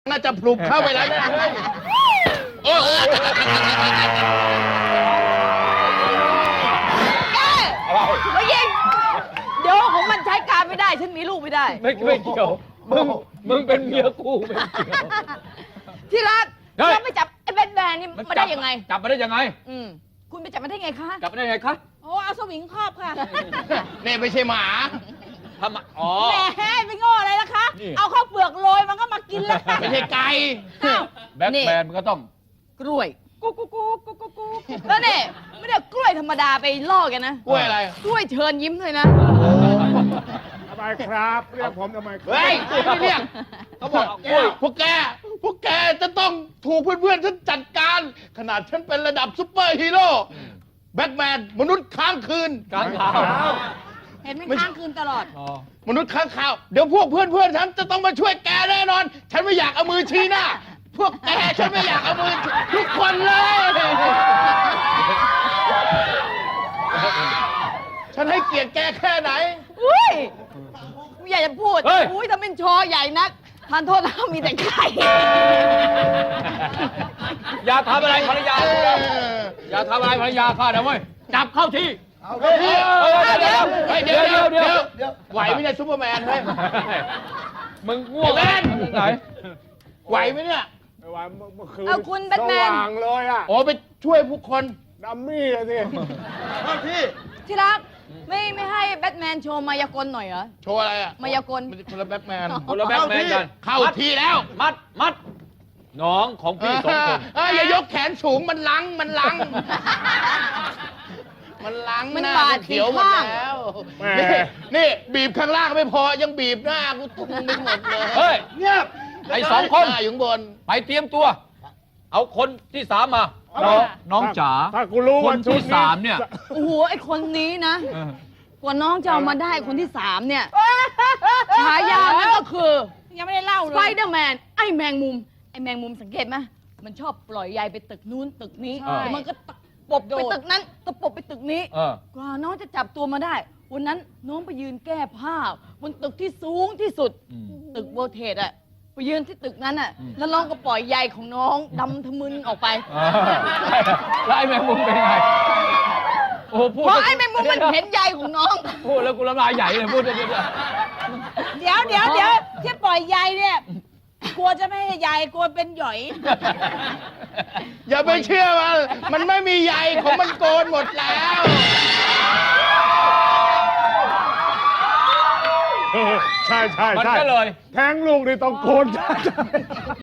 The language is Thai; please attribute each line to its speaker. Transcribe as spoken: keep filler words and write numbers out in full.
Speaker 1: น่าจะปลุกเข้าไปแล้วนะโอ้
Speaker 2: ไม่ยิงเดี๋ยวของมันใช้การไม่ได้ฉันมีลูกไม่ได้
Speaker 3: ไม่ไม่เกี่ยวมึงมึงเป็นเมียกูไม่เกี่ยว
Speaker 2: ที่รัก
Speaker 3: เฮ้ย
Speaker 2: เราไปจับไอ้แบทแมนนี่มาได้ยังไง
Speaker 3: จับมาได้ยังไง
Speaker 2: อืมคุณไปจับมาได้ไงคะ
Speaker 3: จับมาได้ยังไงคะ
Speaker 2: โอ้เอาสวิงครอบค่ะ
Speaker 1: เนี่ยไม่ใช่หมา
Speaker 3: ทำไมอ๋อ
Speaker 2: แหมไปโง่อะไรล่ะคะ
Speaker 3: นี่
Speaker 2: เอาข้าวเปลือกโรยมันก็มากินแล้ว
Speaker 1: ไม่ใช่ไก่
Speaker 2: อ้าว
Speaker 3: แบ็คแมนมันก็ต้อง
Speaker 2: กล้วยกุ๊กกุ๊กกุ๊กกุ๊กกุ๊กกุ๊กแล้วเนี่ยไม่ได้กล้วยธรรมดาไปล่อกันนะ
Speaker 1: กล้วยอะไร
Speaker 2: กล้วยเชิญยิ้มด้วยนะ
Speaker 4: ทำไมครับเรียกผมทำไมครับ
Speaker 1: เฮ้ยไม่เรียกเขาบอกกล้วยพวกแกพวกแกจะต้องถูกเพื่อนๆฉันจัดการ ขนาดฉันเป็นระดับซุปเปอร์ฮีโร่แบ็คแมนมนุษย์ค้างคืน
Speaker 3: กลางขาว
Speaker 2: เห็นมันค้างคืนตลอด
Speaker 3: อ๋อ
Speaker 1: มนุษย์ค้างคาวเดี๋ยวพวกเพื่อนๆฉันจะต้องมาช่วยแกแน่นอน ฉันไม่อยากเอามือชี้หน้า พวกแกฉันไม่อยากเอามือทุกคนเลย ฉันให้เกียรติแกแค่ไหน
Speaker 2: อุ้ยไม่อยากจะพูด อุ้ยทำเป็นชอใหญ่นักทานโทษนะมีแต่ไข่
Speaker 3: อย่าทำอะไรภรรยา
Speaker 1: เออ
Speaker 3: อย่าทำอะไรภรรยาข้านะเว้ยจับเข้าที่
Speaker 1: เฮ้ย
Speaker 3: เดี๋ยว
Speaker 1: เฮ้ย
Speaker 3: เดี๋
Speaker 1: เดี๋
Speaker 3: ย
Speaker 1: ยว ว
Speaker 3: เดี๋
Speaker 1: เดี๋
Speaker 3: ย
Speaker 1: ยว ว
Speaker 3: เดี๋ยว
Speaker 1: ไหวไหมเนี่ยซูเปอร์แมนเฮ้ย
Speaker 3: มึงง่วง
Speaker 1: ไอ้แมน
Speaker 3: ไหน
Speaker 1: ไหวไหมเนี่ย
Speaker 4: ไม่ว่าเมื่อคืน
Speaker 2: เอาคุณแบทแมน
Speaker 4: สว่างเลยอะ
Speaker 1: โอ้ไปช่วยผู้คน
Speaker 4: ดัมมี่อะสิ
Speaker 1: พี่
Speaker 2: ที่รักไม่ไม่ให้แบทแมนโชว์มายากลหน่อยเหรอ
Speaker 1: โชว์อะไรอ่ะ
Speaker 2: มายากล
Speaker 1: มันคนละแบ็คแมน
Speaker 3: คนละแบ็คแมนกัน
Speaker 1: เข้าที่แล้ว
Speaker 3: มัดมัดน้องของพี่สองคน
Speaker 1: เอ้ยอย่ายกแขนสูงมันลังมันลัง มันลัง
Speaker 2: มัน
Speaker 1: หน้า
Speaker 2: บาด
Speaker 1: เขียวหมด
Speaker 2: ข้าง
Speaker 1: แล้วนี่นี่บีบข้างล่างไม่พอยังบีบหน้ากูตุ้มไปหมดเลย
Speaker 3: เฮ้ย
Speaker 1: เงียบ
Speaker 3: ไอ้สองคน
Speaker 1: หน้าอยู่ข้างบน
Speaker 3: ไปเตรียมตัว เอาคนที่สามมา น้องน้องจ๋า
Speaker 4: ถ้ากูรู้
Speaker 3: ค
Speaker 4: ว่าน ชุ
Speaker 3: ที่
Speaker 4: ด
Speaker 3: สามเนี่ย
Speaker 2: โอ้โหไอคนนี้นะ
Speaker 3: เออก
Speaker 2: ว่าน้องจะเอามาได้คนที่สามเนี่ยฉายามันก็คือ ยังไม่ได้เล่าเลยสไปเดอร์แมนไอแมงมุม ไอแมงมุมสังเกตไหมมันชอบปล่อยใยไปตึกนู้นตึกนี้แล้วมันก็ตะปบไปตึกนั้นตะปบไปตึกนี้
Speaker 3: เออก
Speaker 2: ว่าน้องจะจับตัวมาได้ วันนั้นน้องไปยืนแก้ผ้าบนตึกที่สูงที่สุด
Speaker 3: อืม
Speaker 2: ตึกโบเทสอะไปยืนที่ตึกนั้นอะแล้วน้องก็ปล่อยใยของน้องดำทะมึนออกไป
Speaker 3: อ่าแล้วไอ้แมงมุมเป็นยังไงโอ้โหพูด
Speaker 2: เพราะไอ้แมงมุมมันเห็นใยของน้อง
Speaker 3: พูดแล้วกูน้ำลายใหญ่เลยพูดเดี๋ยว
Speaker 5: เดี๋ยวเดี๋ยวเดี๋ยวที่ปล่อยใยเนี่ย กลัวจะไม่ให้ใยกลัวเป็นหย่อย
Speaker 1: อย่าไปเชื่อมันมันไม่มีใยของมันโกนหมดแล้ว
Speaker 4: เออใช่ใช่
Speaker 3: มัน
Speaker 4: ใช่
Speaker 3: ก็เลย
Speaker 4: แทงลูกนี่ต้องโกน